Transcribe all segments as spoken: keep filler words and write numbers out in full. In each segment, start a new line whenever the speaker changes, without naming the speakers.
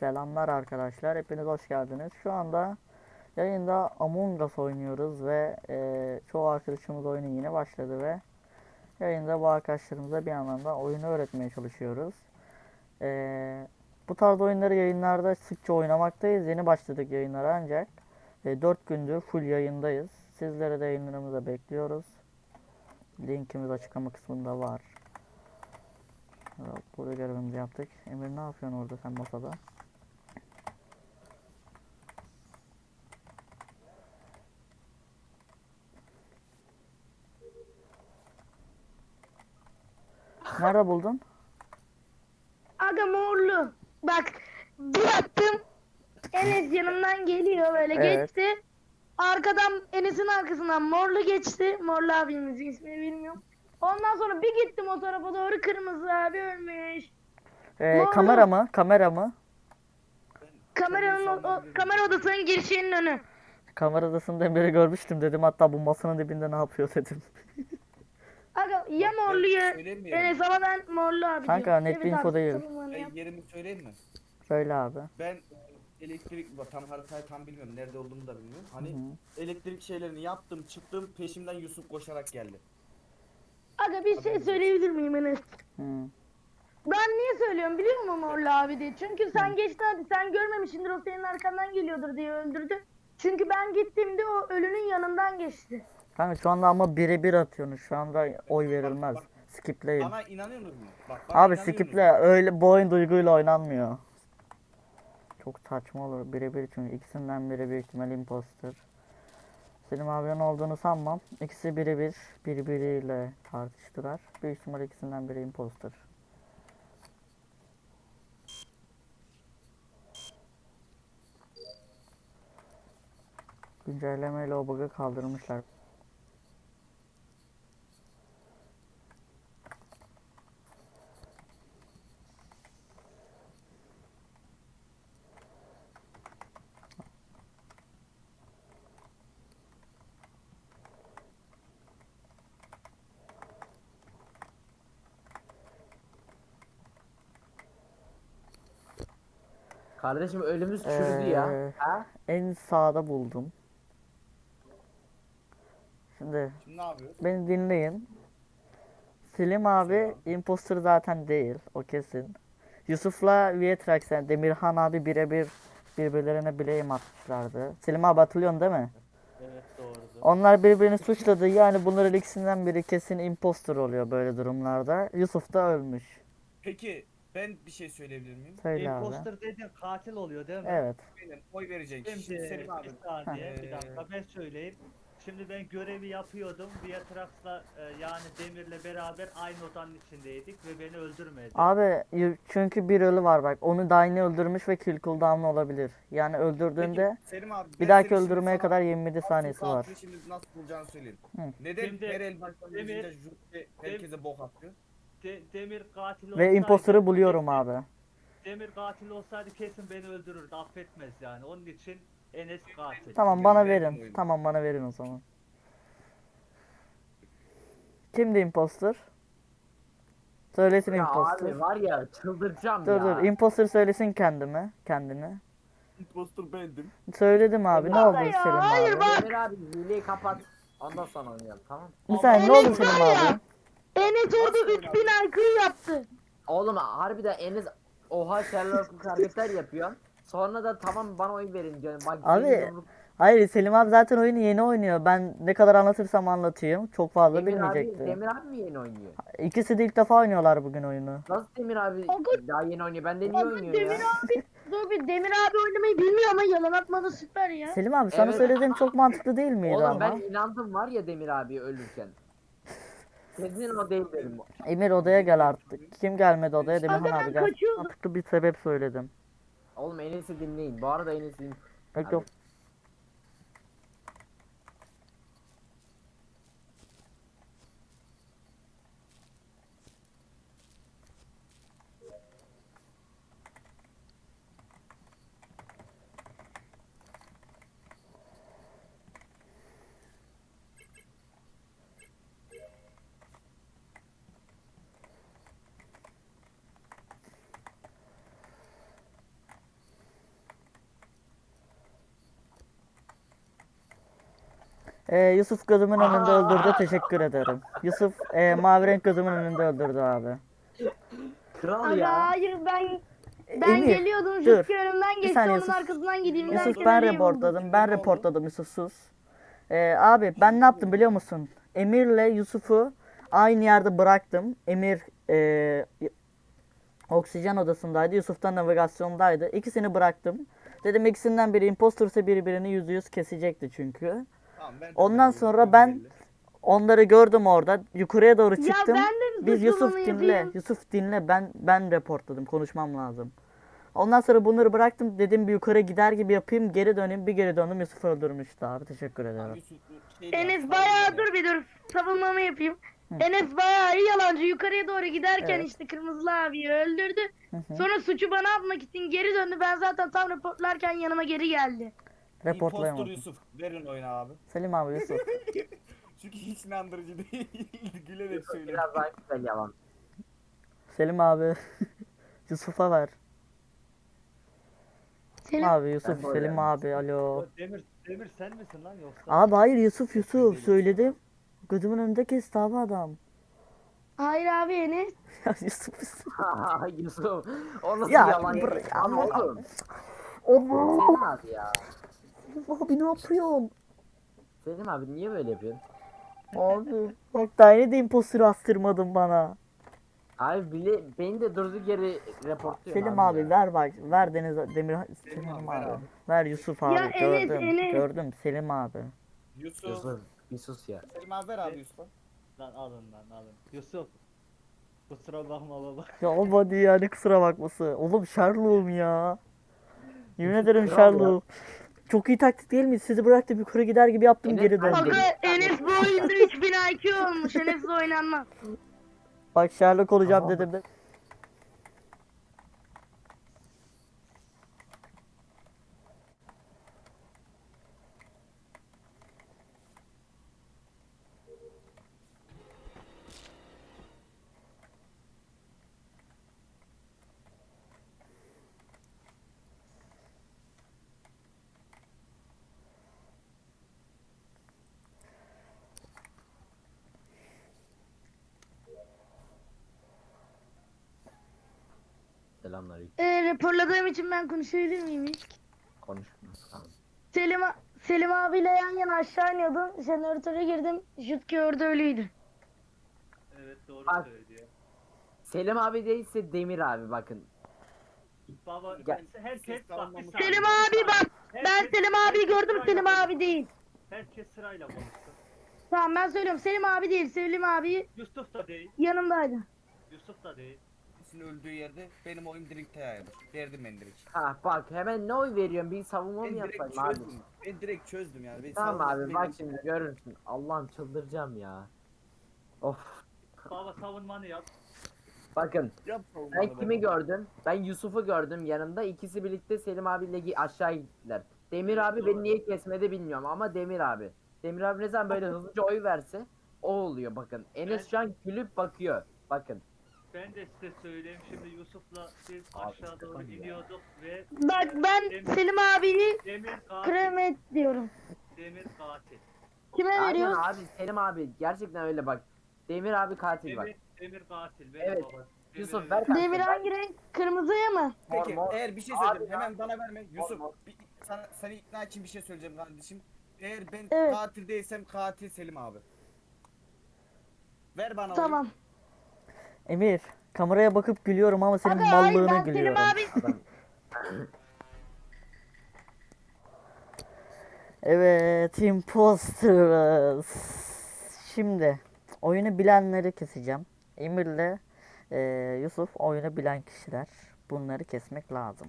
Selamlar arkadaşlar, hepiniz hoş geldiniz. Şu anda yayında Among Us oynuyoruz ve e, çoğu arkadaşımız oyunu yeni başladı ve yayında bu arkadaşlarımıza bir yandan da oyunu öğretmeye çalışıyoruz. E, Bu tarz oyunları yayınlarda sıkça oynamaktayız. Yeni başladık yayınlara ancak e, dört gündür full yayındayız. Sizlere de yayınlarımıza bekliyoruz. Linkimiz açıklama kısmında var. Burada görevimizi yaptık. Emir ne yapıyorsun orada sen masada? Nerede buldun?
Aga morlu. Bak bir baktım Enes yanımdan geliyor böyle
Evet.
geçti. Arkadan Enes'in arkasından morlu geçti. Morlu abimizin ismini bilmiyorum. Ondan sonra bir gittim o tarafa doğru kırmızı abi ölmüş.
Ee,
Morlu.
kamera mı? Kamera mı?
Kameranın o, o- kamera odasının girişinin önü.
Kamera odasında biri görmüştüm dedim. Hatta bu masanın dibinde ne yapıyor dedim.
Aga ya
Bak, ben
morlu ya
söyleyeyim mi yerimi?
Enes ama ben morlu abi
Kanka,
diyorum.
net bir
Evet
info
abi,
değil.
savunmanı yap.
Ben yerimi söyleyeyim mi?
Söyle abi.
Ben elektrik bak, tam haritayı tam bilmiyorum. Nerede olduğumu da bilmiyorum. Hani
Hı.
elektrik şeylerini yaptım, çıktım, peşimden Yusuf koşarak geldi.
Aga bir şey söyleyebilir miyim Enes?
Hı.
Ben niye söylüyorum biliyor musun Morlu abi diye? Çünkü sen geçtin hadi sen görmemişsindir o senin arkandan geliyordur diye öldürdü. Çünkü ben gittiğimde o ölünün yanından geçti.
Kanka şu anda ama birebir atıyorsunuz. Şu anda oy verilmez.
Bak,
Skipleyin.
Bana inanıyorsunuz mu? Bak, bana
Abi
inanıyorsunuz
skiple
mu?
öyle bu oyun duyguyla oynanmıyor. Çok saçma olur. Birebir çünkü ikisinden biri büyük ihtimal imposter. Selim abinin olduğunu sanmam. İkisi birebir birbiriyle tartıştılar. Büyük ihtimal ikisinden biri imposter. Güncellemeyle o bug'ı kaldırmışlar.
Kardeşim ölümüz çürüdü ya.
Ee,
Ha?
En sağda buldum. Şimdi
Şimdi ne yapıyoruz?
beni dinleyin. Selim abi imposter zaten değil. O kesin. Yusuf'la Vietrax yani Demirhan abi birebir birbirlerine blame atmışlardı. Selim abi hatırlıyorsun değil mi?
Evet doğrudur.
Onlar birbirini suçladı. Yani bunların ikisinden biri kesin imposter oluyor böyle durumlarda. Yusuf da ölmüş.
Peki ben bir şey söyleyebilir miyim?
Söyle abi.
Imposter dediğin katil oluyor değil mi?
Evet.
Benim oy verecek kişi
Şimdi
Selim abi.
bir saniye bir
Ee,
dakika ben söyleyeyim. Şimdi ben görevi yapıyordum. Viatrax'la e, yani Demir'le beraber aynı odanın içindeydik ve beni öldürmedi.
Abi y- çünkü bir ölü var bak. Onu da aynı öldürmüş ve kill cooldown'u olabilir. Yani öldürdüğünde
Peki Selim abi,
bir
ben
dahaki
seni şimdi
öldürmeye
sana
kadar yirmi yedi
asıl
saniyesi var.
katili şimdi nasıl bulacağını söyleyeyim.
Hı.
Neden
Şimdi
her el başlangıcında
Demir-
Jüpiter herkese bok atıyor?
De- Demir katil
Ve
olsaydı
imposter'ı buluyorum
Demir-
abi.
Demir katil olsaydı kesin beni öldürürdü, affetmez yani. Onun için Enes katil.
Tamam bana
Verin
verin.
oyunu.
Tamam bana verin o zaman. Kimdi imposter? Söylesin
Ya
imposter.
abi var ya çıldıracağım
Dur
ya.
dur imposter söylesin kendimi. Kendini.
Imposter bendim.
Söyledim abi ne
Ya
oldu
ya,
Selim
hayır
abi?
bak.
Demir abi hileyi kapat. Ondan sonra oynayalım tamam.
Bir saniye ne oldu
Enes
Selim
var ya.
abi?
Enes orada
Nasıl
üç bin I Q yaptı.
Oğlum harbiden Enes oha Sherlock hareketler yapıyorsun. Sonra da tamam bana oy verin diyorsun. Bak
Abi,
senin yumruk-
Hayır Selim abi zaten oyunu yeni oynuyor. Ben ne kadar anlatırsam anlatayım. Çok fazla
Demir abi,
bilmeyecekti.
Demir abi mi yeni oynuyor?
İkisi de ilk defa oynuyorlar bugün oyunu.
Nasıl Demir abi
Aga-
daha yeni oynuyor? Benden niye
Aga
oynuyor
Demir
ya?
abi, dur bir Demir abi oynamayı bilmiyor ama yalan atmadı süper ya.
Selim abi sana
Evet.
söylediğim çok mantıklı değil miydi
Oğlum
ama?
ben inandım var ya Demir abi ölürken. Kesin o değil dedim.
Emir odaya gel artık. Kim gelmedi odaya? Demirhan
Aga ben
abi gel.
kaçıyordum.
Mantıklı bir sebep söyledim.
Oğlum Enes'i dinleyin. Bu arada Enes'in
Yok yok. Ee, Yusuf gözümün önünde öldürdü. Teşekkür ederim. Yusuf e, mavi renk gözümün önünde öldürdü abi.
Kral
Aga
ya.
hayır ben ben
Emir,
geliyordum
dur.
Jutki önümden
Bir
geçti
saniye
onun
Yusuf.
arkasından gideyim
Yusuf
derken
ben
Ali'yi buldum.
reportladım. Ben
Ne oldu?
reportladım Yusuf sus. Ee, abi ben ne yaptım biliyor musun? Emir'le Yusuf'u aynı yerde bıraktım. Emir e, oksijen odasındaydı. Yusuf da navigasyondaydı. İkisini bıraktım. Dedim ikisinden biri impostorsa biri birini yüzde yüz kesecekti çünkü.
Tamam, ben
Ondan
çok
sonra
memnunum,
ben
belli.
onları gördüm orada. Yukarıya doğru
Ya
çıktım.
ben de
Biz Yusuf
suçlamanı
dinle.
yapayım.
Yusuf dinle. Ben ben reportladım. Konuşmam lazım. Ondan sonra bunları bıraktım. Dedim bir yukarı gider gibi yapayım. Geri döneyim. Bir geri döndüm. Yusuf öldürmüştü abi. Teşekkür ederim.
Yusuf, şey de
Enes
yaptı,
bayağı
savunma
dur bir dur savunmamı yapayım.
Hı.
Enes bayağı iyi yalancı yukarıya doğru giderken
Evet.
işte Kırmızılı abiyi öldürdü.
Hı hı.
Sonra suçu bana atmak için geri döndü. Ben zaten tam reportlarken yanıma geri geldi.
İmpostor
Reportlayamadım.
Yusuf. Verin oyunu abi.
Selim abi Yusuf.
Çünkü hiç inandırıcı değil. Gülerek söylüyorum.
Biraz daha güzel yalan.
Selim abi. Yusuf'a ver.
Senin
Abi Yusuf.
Ben de
Selim
öyle.
abi. Alo.
O Demir, Demir sen misin lan yoksa?
Abi hayır Yusuf Yusuf. Söyledim. Gözümün önünde kesti abi adam.
hayır abi Enes.
Ya Yusuf Yusuf.
Yusuf. O nasıl
Ya,
yalan ya?
bırak-
Ama oğlum.
Allah.
Selim abi ya.
Abi ne yapıyorsun?
Selim abi niye böyle yapıyorsun?
Abi. Bak daha yeni de imposter astırmadın bana.
Abi bile beni de durduk yere reportluyor.
Selim abi
ya.
ver bak. Ver Deniz Demir Selim
abi,
abi.
ver
Ver,
abi.
Yusuf abi.
Ya Enes,
gördüm.
Enes.
Gördüm Selim abi.
Yusuf.
Yusuf bir sus ya.
Selim abi ver abi Yusuf'a.
Lan alın lan alın. Yusuf. Kusura bakma baba.
Ya olmadı ya ne kusura bakması. Oğlum Sherlock'um ya. Yemin ederim
Kral
Sherlock. Çok iyi taktik değil mi? Sizi bıraktım yukarı gider gibi yaptım
Enes,
geri
ben
döndüm.
de-
Aga Enes bu oyunda üç bin I Q olmuş. Enes'le oynanmaz.
Bak Sherlock olacağım
Tamam.
dedim de.
Selamünaleyküm.
Ee, raporladığım için ben konuşabilir miyim hiç?
Konuşma. Tamam.
Selim, Selim abiyle yan yana aşağı iniyordum. Jeneratöre girdim. Jutki orada ölüydü.
Evet doğru
Bak.
söylüyor.
Selim abi değilse Demir abi bakın.
Baba
Gel.
herkes
Siz
bak bir
savunmamı-
saniye.
Selim abi bak. Ben
Herkes-
Selim abiyi
herkes
gördüm.
sırayla
Selim
konuşsun.
abi değil.
Herkes sırayla konuşsun.
Tamam ben söylüyorum. Selim abi değil. Selim abi
Yusuf da değil.
yanımdaydı.
Yusuf da değil.
Sizin öldüğü yerde benim oyum direkt yayılır. Verdim ben direkt.
Ha bak hemen ne oy veriyorsun? Bir savunma
Ben
mı
direkt
yapsaydım abi?
çözdüm. Ben direkt çözdüm yani. Ben
Tamam
savunma
abi bak
değilim.
şimdi görürsün. Allah'ım çıldıracağım ya. Of.
Baba savunmanı yap.
Bakın
Yap savunmanı
ben kimi
baba.
gördüm? Ben Yusuf'u gördüm yanımda. İkisi birlikte Selim abiyle gi- aşağı gittiler. Demir abi beni niye kesmedi bilmiyorum ama Demir abi. Demir abi ne zaman böyle hızlıca oy verse o oluyor bakın. Enes şu an gülüp bakıyor. Bakın.
Ben de size söyleyeyim şimdi Yusuf'la biz
Abi,
aşağı doğru
sıkıntı ya.
iniyorduk ve
Bak ben Selim abiyi
Demir katil.
kremet diyorum.
Demir katil.
Kime
Aynen
veriyor?
abi Selim abi gerçekten öyle bak. Demir abi katil bak.
Demir, Demir katil. Benim
Evet.
baba.
Yusuf,
Demir'e
ver kanka.
Demir hangi renk? Kırmızıya mı?
Peki
Mor, mor.
eğer bir şey
Abi
söyleyeyim
ya.
hemen bana verme. Yusuf
mor.
bir, sana, seni ikna için bir şey söyleyeceğim kardeşim. Eğer ben
Evet.
katil değilsem katil Selim abi. Ver bana
Tamam.
Emir kameraya bakıp gülüyorum ama senin
Aga hayır
mallığına
ben Selim
gülüyorum.
abi
Adam.
Evet imposters. Şimdi oyunu bilenleri keseceğim. Emir'le e, Yusuf oyunu bilen kişiler. Bunları kesmek lazım.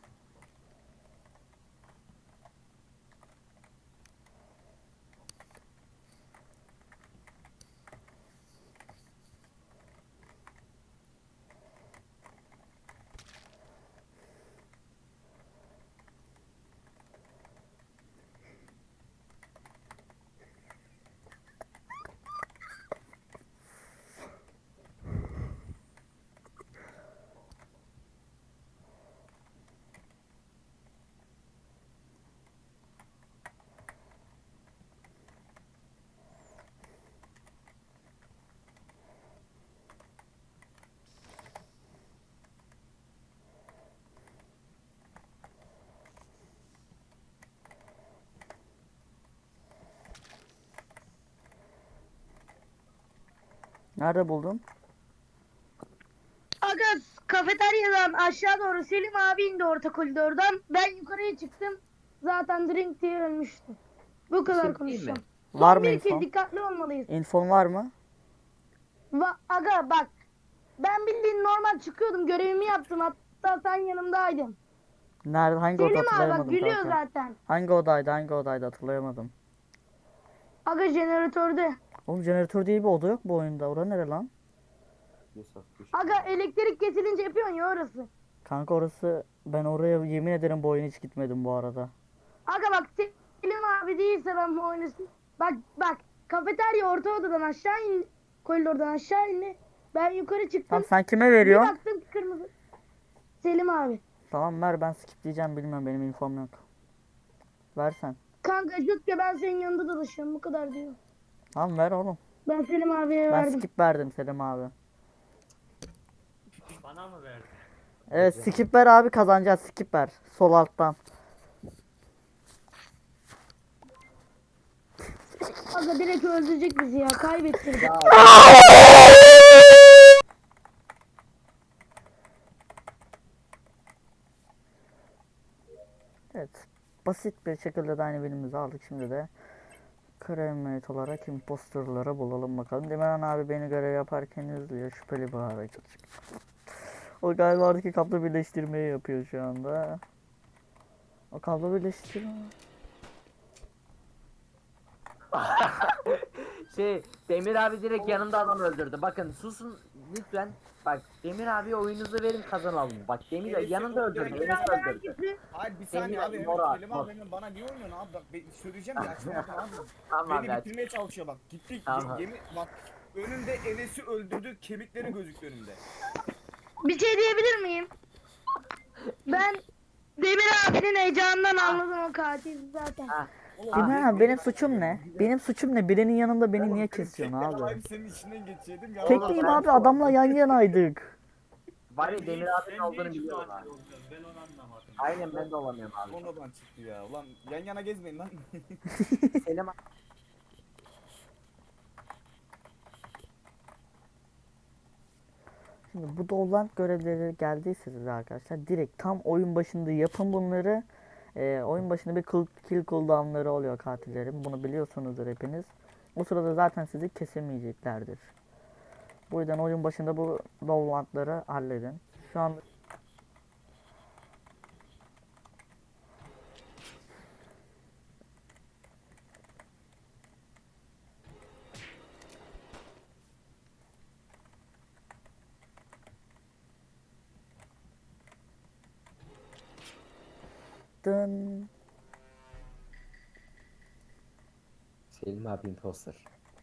Nerede buldun?
Aga kafeteryadan aşağı doğru Selim abi indi orta koridordan. Ben yukarıya çıktım. Zaten drink diye ölmüştü. Bu kadar
şey değil
konuşacağım.
mi?
Son
Var mı
bir kill,
info?
dikkatli olmalıyız.
İnfon var mı?
Va aga bak. Ben bildiğin normal çıkıyordum. Görevimi yaptım. Hatta sen yanımdaydın.
Nerede? Hangi oda
Selim abi bak
hatırlayamadım
gülüyor
kanka.
zaten.
Hangi odaydı? Hangi odaydı hatırlayamadım.
Aga jeneratörde.
Oğlum jeneratör diye bir oda yok bu oyunda. Orada nere lan?
Aga elektrik kesilince yapıyorsun ya orası.
Kanka orası, ben oraya yemin ederim bu oyun hiç gitmedim bu arada.
Aga bak Selim abi değilse ben bu oyunu... Bak bak kafeterya orta odadan aşağı in. Koridordan aşağı indi. Ben yukarı çıktım.
Tamam, sen kime
Bir
veriyorsun?
baktım ki kırmızı. Selim abi.
Tamam ver, ben skip diyeceğim, bilmem, benim infom yok. Versen.
Kanka Jutke ben senin yanında dolaşıyorum bu kadar diyor.
Tamam ver oğlum.
Ben Selim abiye
Ben
verdim.
skip verdim Selim abi.
Bana mı verdin?
Evet skip ver abi, kazanacağız, skip ver. Sol alttan.
Aga direkt öldürecek bizi ya kaybettirdik.
Evet. Basit bir şekilde de aynı birimimizi aldık. Şimdi de kremiyet olarak imposterları bulalım bakalım. Demirhan abi beni görev yaparken izliyor. Şüpheli bir hareket. O galiba oradaki kablo birleştirmeyi yapıyor şu anda. O kablo birleştirme.
Şey Demir abi direkt yanımda adam öldürdü. Bakın susun lütfen. Bak Demir abi oyunuzu verin kazanalım. Bak Demir
Enes'i
yanında
öldüren
öldürdü.
kim?
Enes öldürdü.
Hangisi?
Hayır bir saniye
Emre,
abi. Hemen
Mora,
Selim
Mor.
abi hemen bana niye oynuyorsun abi? Bak ben söyleyeceğim ya açmadım abi.
Tamam
Beni
abi.
bitirmeye çalışıyor bak. Gittik.
Tamam.
Yemin bak önümde Enes'i öldürdü. Kemikleri gözüktü önümde.
Bir şey diyebilir miyim? Ben Demir abinin heyecanından anladım o katil zaten.
Ha.
Oğlum,
Demirhan abi
ben-
benim suçum ne? Benim suçum ne? Birinin yanında beni niye kesiyorsun
Tekrar
abi?
abi senin içinden geçeydim. ya.
Tekliyim
ben-
abi, adamla yan yanaydık.
Var ya
Sen
Demir
niye-
abinin
sen niye
olduğunu
hiç
biliyorum
katil
abi.
olmuyorsun? Ben onu anlamadım.
Aynen ben de olamıyorum abi.
Sonradan çıktı ya. Ulan yan yana gezmeyin lan.
Selim abi.
Şimdi bu dolant görevleri geldiyse size arkadaşlar, direkt tam oyun başında yapın bunları. Ee, oyun başında bir kill, kill cooldownları oluyor katillerin. Bunu biliyorsunuzdur hepiniz. O sırada zaten sizi kesemeyeceklerdir. Bu yüzden oyun başında bu dolantları halledin. Şu an dın.
Selim abi imposter.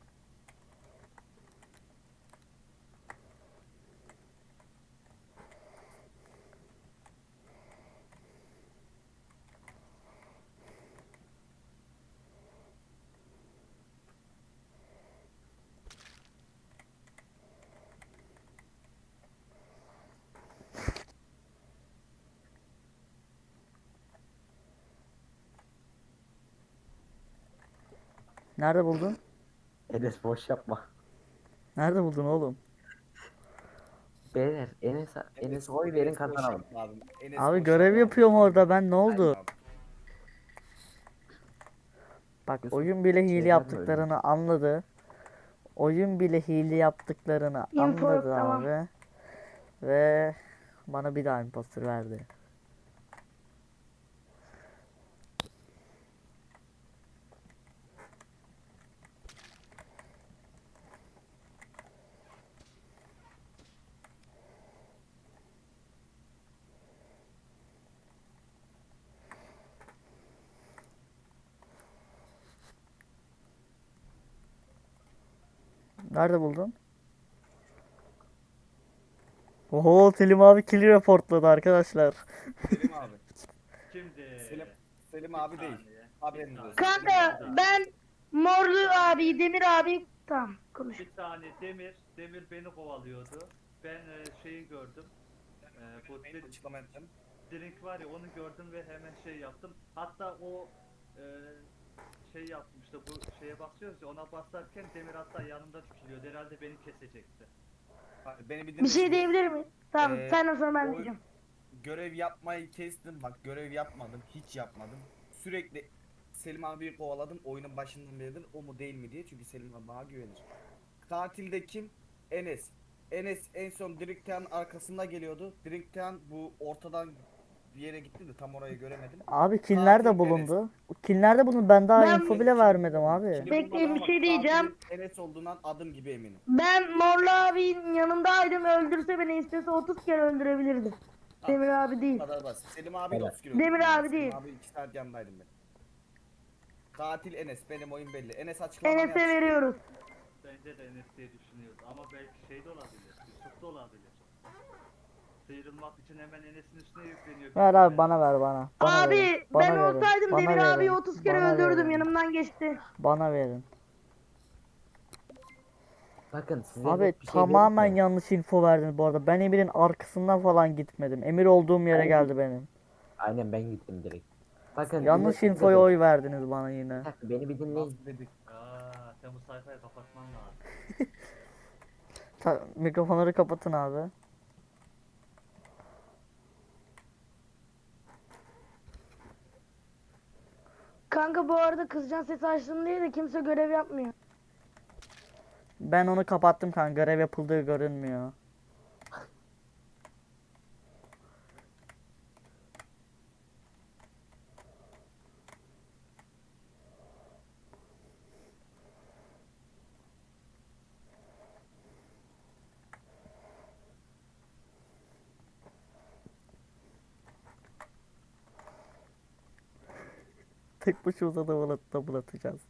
Nerede buldun?
Enes boş yapma.
Nerede buldun oğlum?
Beyler Enes Enes oy verin
Enes boş
kazanalım.
yapma Abi, Enes
Abi
boş
görev
yapma
yapıyorum
abi.
orada ben, ne oldu?
Aynen abi.
Bak
Yusuf,
oyun bile hile
şeyler mi
yaptıklarını anladı. Oyun bile hile yaptıklarını
Info,
anladı
tamam.
abi. Ve bana bir daha imposter verdi. Nerede buldun? Oho, Selim abi kill reportladı arkadaşlar.
Selim abi.
Şimdi
Selim, Selim abi
bir
değil.
saniye,
Haberiniz
bir
olsun.
saniye.
Kanka ben Morlu abi, Demir abi tamam konuş.
Bir saniye Demir, Demir beni kovalıyordu. Ben e, şeyi gördüm. E, bu
Benim
drink,
açıklama ettim.
drink var ya onu gördüm ve hemen şey yaptım. Hatta o e, şey yaptım işte bu şeye basıyoruz ya ona basarken Demir hatta yanımda dikiliyordu. Herhalde beni kesecekti.
Abi beni bir
Bir şey
dinle.
diyebilir miyim? Tamam
Ee,
sen sonra ben
o-
diyeceğim.
Görev yapmayı kestim. Bak görev yapmadım. Hiç yapmadım. Sürekli Selim abiyi kovaladım. Oyunun başından beridir o mu değil mi diye. Çünkü Selim abi bana güvenir. Katilde kim? Enes. Enes en son Drinktown arkasında geliyordu. Drinktown bu ortadan bir yere gitti de tam orayı göremedim.
Abi kimler de
Katil
bulundu? Kimler de bulundu? Ben daha
Ben-
info bile vermedim abi.
Şimdi
Bekleyin,
bulmadım
bir
ama
şey diyeceğim.
katilin Enes olduğundan adım gibi eminim.
Ben Morlu abinin yanındaydım. Öldürse beni istese otuz kere öldürebilirdi. Demir abi
Bu
değil.
kadar basit. Selim abi
Evet.
otuz kilo.
Demir abi
Selim
değil.
abi iki saat yanındaydım ben. Katil Enes. Benim oyun belli. Enes açıklamanı
Enes'e
yapsın.
veriyoruz.
Bence de Enes diye düşünüyordu ama belki şey de olabilir. Yusuf da olabilir. Sıyrılmak için hemen Enes'in üstüne yükleniyor.
Ver abi bana ver bana. Bana
Abi
verin. Bana
ben
verin.
olsaydım
Bana
Demir
verin.
abiyi otuz kere
Bana
öldürdüm.
verin.
Yanımdan geçti.
Bana verin.
Bakın size
Abi
net bir şey
tamamen
diyeyim mi?
yanlış info verdiniz bu arada. Ben Emir'in arkasından falan gitmedim. Emir olduğum yere geldi benim.
Aynen ben gittim direkt. Bakın
Yanlış
dinlesenize
infoya
beni.
oy verdiniz bana yine.
Bir dakika, beni bir dinleyin.
Nasıl dedik?
Aa, sen bu sayfayı kapatman lazım.
Ta- mikrofonları kapatın abi.
Kanka bu arada kızcan sesi açtım diye de kimse görev yapmıyor.
Ben onu kapattım kanka. Görev yapıldığı görünmüyor. Tek başımıza da double double atacağız.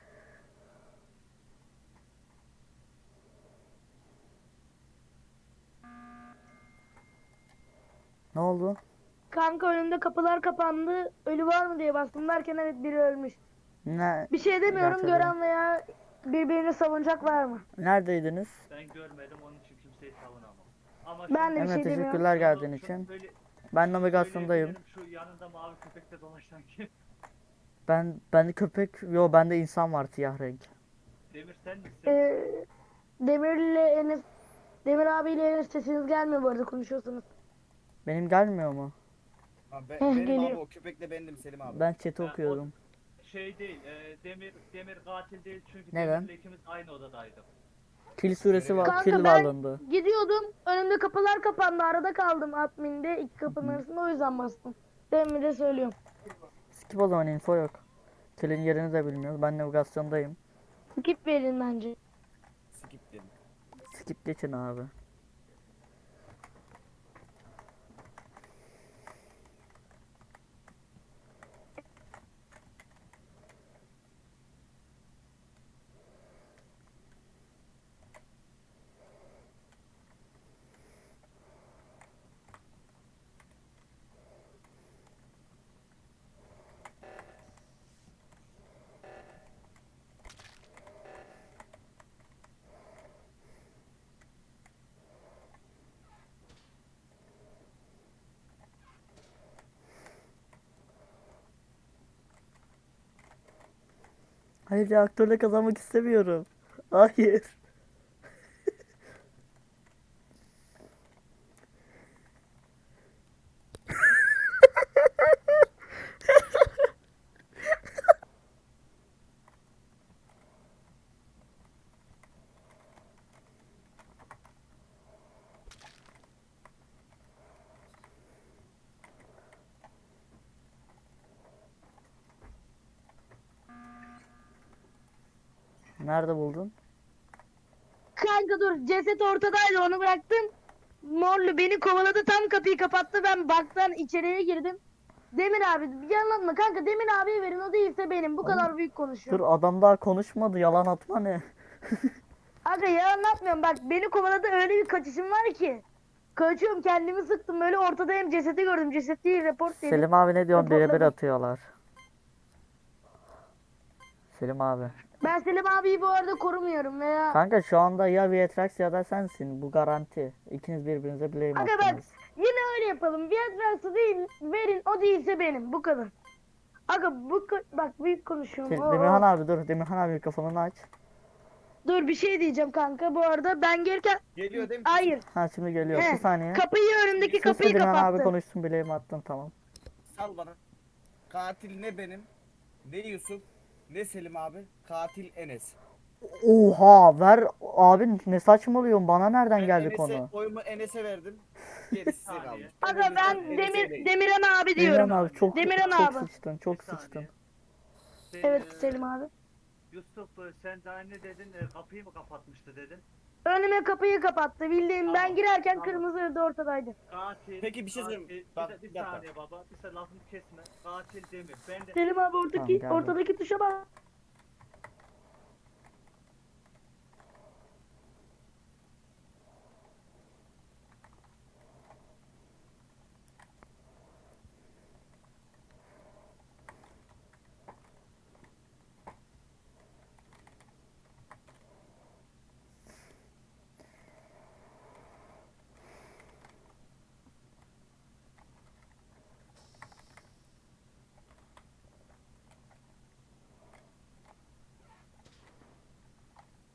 Ne oldu?
Kanka önümde kapılar kapandı. Ölü var mı diye bastım derken evet biri ölmüş.
Ne?
Bir şey demiyorum,
Gerçekten.
gören veya birbirini savunacak var mı?
Neredeydiniz?
Ben görmedim onun için kimseyi savunamam. Ama
Ben de bir
Evet,
şey demiyorum.
teşekkürler geldiğin için. Ben navigasyondayım.
Şu yanında mavi köpekle dolaşan kim?
Ben bende köpek, yo bende insan var siyah renk.
Demir sen misin?
Ee, Demir'le Enes, Demir abiyle Enes sesiniz gelmiyor bu arada konuşuyorsunuz.
Benim gelmiyor mu?
Ha, ben,
Heh,
benim
geliyor.
abi o köpekle bendim Selim abi.
Ben chat'i
Ha, o-
okuyorum.
Şey değil, e, Demir Demir katil değil çünkü
Neden?
Demir'le ikimiz aynı odadaydık.
Kill süresi var,
Kanka
kill
ben
alındı.
gidiyordum, önümde kapılar kapandı, arada kaldım adminde iki kapının arasında, o yüzden bastım. Demin de söylüyorum.
Skip o zaman, info yok. Kill'in yerini de bilmiyoruz. Ben navigasyondayım.
Skip verin bence.
Skip dedim.
Skip geçin abi. Hayır, reaktörle kazanmak istemiyorum. Hayır. Nerede buldun?
Kanka dur, ceset ortadaydı, onu bıraktım. Morlu beni kovaladı, tam kapıyı kapattı, ben baktan içeriye girdim. Demir abi yalanma kanka, Demir abiye verin, o değilse benim, bu kadar büyük
Dur,
konuşuyor.
adam daha konuşmadı. Yalan atma ne?
Kanka yalan atmıyorum, bak beni kovaladı, öyle bir kaçışım var ki. Kaçıyorum, kendimi sıktım, böyle ortadayım, cesedi gördüm, ceset değil, report dedim.
Selim abi ne diyorsun? Birebir
Raporladım.
atıyorlar. Selim abi.
Ben Selim abiyi bu arada korumuyorum veya...
Kanka şu anda ya Vietrax ya da sensin. Bu garanti. İkiniz birbirinize blame
Kanka bak,
attınız.
yine öyle yapalım, Viagra'sı değil, verin, o değilse benim, bu kadar. Aga bu ko- bak büyük konuşuyorum.
Şey,
Oo.
Demirhan abi dur. Demirhan abi mikrofonunu aç.
Dur bir şey diyeceğim kanka bu arada ben gelirken
Geliyor değil mi?
hayır.
Ha şimdi geliyor.
He,
Bir saniye.
Kapıyı önümdeki
Sus da
kapıyı
Demirhan abi
kapattı.
konuşsun, bileğimi attın, tamam.
Sal bana. Katil ne benim, ne Yusuf, ne Selim abi. Katil Enes.
Oha ver abi, ne saçmalıyorsun, bana nereden
Ben
geldi
Enes'e,
konu?
oyumu Enes'e verdim. Gerisi size
Saniye.
kalmış.
Aga
o
ben
yüzden Enes'e
Demir
vereyim.
Demirhan abi
Demirhan
diyorum.
abi çok
Demirhan
çok
abi.
sıçtın, çok
Bir saniye.
sıçtın.
Sen,
Evet
e,
Selim abi.
Yusuf e, sen daha ne dedin? E, kapıyı mı kapatmıştı dedin?
Önüme kapıyı kapattı. Bildiğim ben
Tamam,
girerken
tamam.
kırmızı ırdı ortadaydı.
Katil.
Peki bir şey
katil-
söyleyeyim.
Bir,
Bak,
de- bir
bir dakika.
saniye baba. Bir saniye lafını kesme. Katil Demir. Ben de
Selim abi ortadaki
Tamam, geldim.
ortadaki tuşa bak.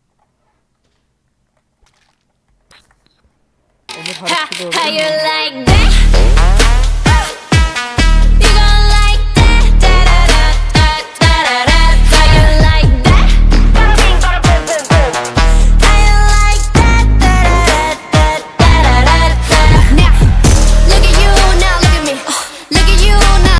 Emir hareketi doğru
How
değil
you
mi?
like that?